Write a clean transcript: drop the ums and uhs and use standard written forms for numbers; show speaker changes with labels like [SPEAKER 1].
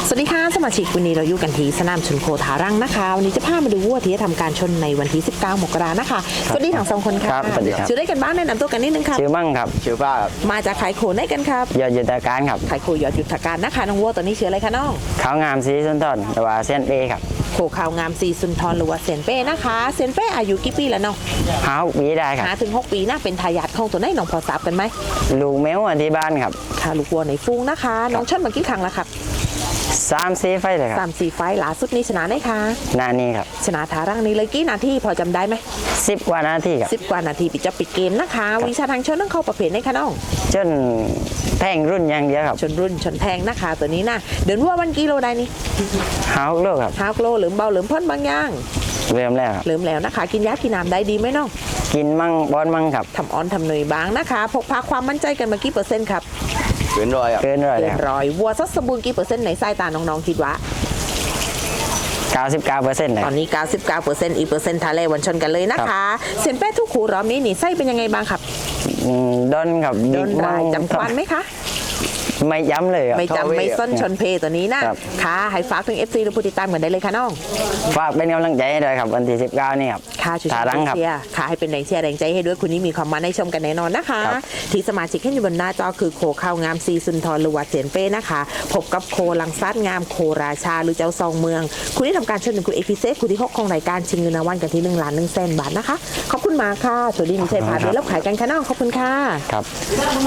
[SPEAKER 1] สวัสดีค่ะสมาชิกวันนี้เราอยู่กันที่สนามชนโคทารังนะคะวันนี้จะพามาดูวัวที่จะทำการชนในวันที่19 มกรานะคะสวัสดีทั้งสองคนค่ะ
[SPEAKER 2] ครับสวัสดีครับ
[SPEAKER 1] ชื่อได้กันบ้างแนะนำตัวกันนิดนึงครับ
[SPEAKER 2] ชื่อมั่งครับชื่อป้าครับ
[SPEAKER 1] มาจากขายโคได้กันครับ
[SPEAKER 2] ยอดยุทธการครับ
[SPEAKER 1] ขายโคยอดยุทธการนะคะน้องวัวตัวนี้ชื่ออะไรคะน้อง
[SPEAKER 2] เขางามสีสุนทรแต่ว่าเส้นเอครับ
[SPEAKER 1] โคขาวงามซีซุนทรหรือว่าเซนเป้นะคะเซนเป้อายุกี่ปีแล้วน้อง
[SPEAKER 2] เฮาวีได้ครับ
[SPEAKER 1] หาถึง6 ปีนะเป็นทายาทของตัวไหนน้องพอทราบกันไหม
[SPEAKER 2] ลูกแมวที่บ้านครับ
[SPEAKER 1] ค่ะลูกวัวในฟูงนะคะน้องชนมากี่ครั้งแล้วครับ
[SPEAKER 2] 3-4 ไฟเลยครับ
[SPEAKER 1] 3-4 ไฟล์ล่าสุดนี้ชนะได้ค่ะ
[SPEAKER 2] หน้านี้ครับ
[SPEAKER 1] ชนะทารังนี้เลยกี่นาทีพอจำได้ไหม
[SPEAKER 2] 10 กว่านาทีครับ
[SPEAKER 1] 10 กว่านาทีปิดจบปิดเกมนะคะวิชาทางชนต้องเข้าประเภทไหนคะน้อง
[SPEAKER 2] จนแท่งรุ่นอย่างเดียวครับ
[SPEAKER 1] ชนรุ่นชนแพงนะคะตัวนี้นะเดินวัววันกิโลได้นี่
[SPEAKER 2] เฮาโลกครับ
[SPEAKER 1] 5 กิโลหรือเบาหรือพ่นบางอย่าง
[SPEAKER 2] เริ่มแล้วครับ
[SPEAKER 1] เริ่มแล้วนะคะ กินยากินน้ำได้ดีไหมน้อง
[SPEAKER 2] กินมั่งบอนมั่งครับ
[SPEAKER 1] ทำออนทำเนยบางนะคะพกพาความมั่นใจกันมากี่เปอร์เซ็นต์ครับ
[SPEAKER 3] เกินร้อยอ่ะ
[SPEAKER 2] เกินร้อย
[SPEAKER 1] เกิ
[SPEAKER 2] เลย
[SPEAKER 1] น
[SPEAKER 2] ครับ
[SPEAKER 1] ร้อยวัวซัดสมบูรณ์กี่เปอร์เซ็นต์ในสายตาน้องๆคิดว่า
[SPEAKER 2] 99%เลย
[SPEAKER 1] ตอนนี้ 99%อีกเปอร์เซ็นต์ทาเล่วันชนกันเลยนะคะเซนเป้ทุกขูรอบนี้นี่ไส้เป็นยังไงบ้างครับ
[SPEAKER 2] ดอนครับ
[SPEAKER 1] โดนรายจำควันไหมคะ
[SPEAKER 2] ไม่ย้ำเลยครับ
[SPEAKER 1] ไม่จำไม่ส้นชนเพตัวนี้นะครับ ค่ะให้ฝากถึง FC หรือผู้ติดตามกันได้เลยค่ะน้อง
[SPEAKER 2] ฝากเป็นกำลังใจให้ด้วยครับวันที่19นี่ครับ
[SPEAKER 1] ค่ะช่วย
[SPEAKER 2] ทารังครับ
[SPEAKER 1] เชียร์ค่ะให้เป็นแรงเชียร์แรงใจให้ด้วยคุณนี้มีความมันให้ชมกันแน่นอนนะคะ
[SPEAKER 2] ครับ
[SPEAKER 1] ที่สมาชิกที่อยู่บนหน้าจอคือโคข้าวงามซีซุนทรหรือว่าเจนเป้นะคะพบกับโคลังซัดงามโคราชาหรือเจ้าซองเมือง คุณที่ทำการเชิญถึงคุณเอพิเซสคุณที่6ของรายการชิงเงินรางวัลกันที่1,100,000 บาทนะคะขอบคุณมากค่ะสวัสดีมีชัยพาเบลแล้วขายกันค่ะน้องขอบคุณค่ะ
[SPEAKER 2] ครับ